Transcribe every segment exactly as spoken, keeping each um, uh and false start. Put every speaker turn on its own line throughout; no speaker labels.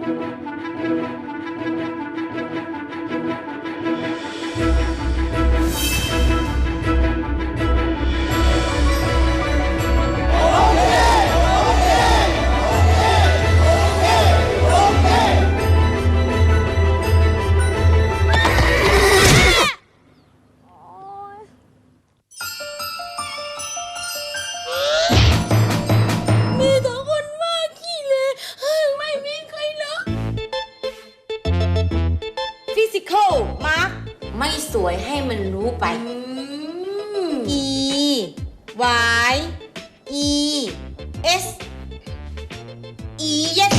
ไม่สวยให้มันรู้ไป E Y E S E yes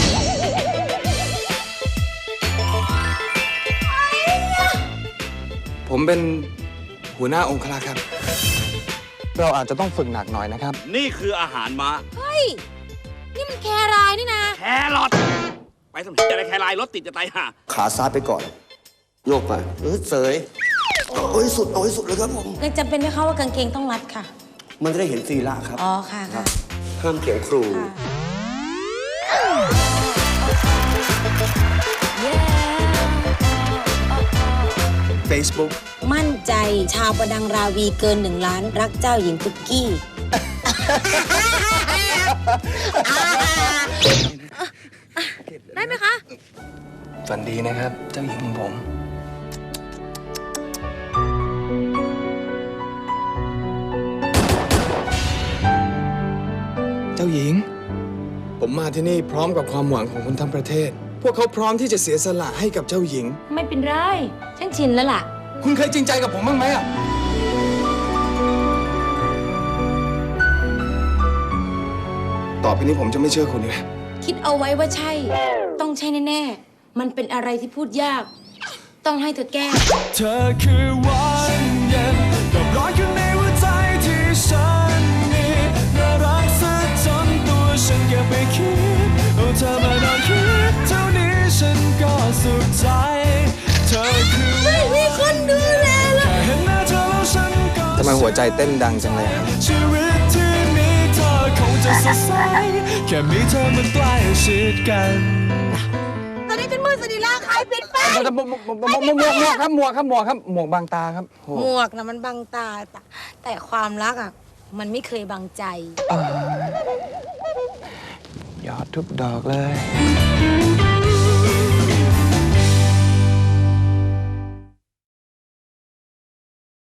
ผมเป็นหัวหน้าองครักษ์ครับ เราอาจจะต้องฝึกหนักหน่อยนะครับ
นี่คืออาหารม้า
เฮ้ย นี่มันแครายนี่นะ
แครอทไปทำที่อะไรแครายรถติดจะตายห่า
ขาซ้ายไปก่อน โยกไปเออเสยเอาให้สุดเอาให้สุดเลยครับผม
ยังจำเป็นไหมคะว่ากางเกงต้องรัดค่ะ
มันจะได้เห็นศีระครับ
อ๋อค่ะค่ะ
ห้ามเถียงครู
Facebook
มั่นใจชาวประดังราวีเกินหนึ่งล้านรักเจ้าหญิงปุกกี้ ได้ไหมคะ
ฝันดีนะครับ เจ้าหญิงของผม เจ้าหญิง ผมมาที่นี่พร้อมกับความหวังของคนทั้งประเทศ พวกเขาพร้อมที่จะเสียสละให้กับเจ้าหญิง
ไม่เป็นไร ฉันชินแล้วล่ะ
คุณเคยจริงใจกับผมบ้างไหมอะต่อไปนี้ผมจะไม่เชื่อคุณเลย
คิดเอาไว้ว่าใช่ ต้องใช่แน่ๆ มันเป็นอะไรที่พูดยาก ต้องให้เธอแก้
เธอคือวันเย็นกับร้อนอยู่ในหัวใจที่ฉันมีน่ารักซะจนตัวฉันเก็บไปคิดเอาเธอมานอนคิดเท่านี้ฉันก็สุขใจเธอคือไม่มีคนดูแลเลยแค่เห็นหน้าเธอแล้วฉันก็
ทำไมหัวใจเต้นดังจังเลยครับ
ชีวิตที่มีเธอคงจะสดใสแค่มีเธอมันใกล้ชิดกัน
ตอนนี้ฉันมือสนิลาขายปิดไป
หมวกหมวกหมวกหมวกหมวกครับหมวกครับหมวกครับหมวกบางตาครับโอ้
หมวกนะมันบังตา แต่ความรักอ่ะ มันไม่เคยบังใจ
ยอดทุกดอกเลย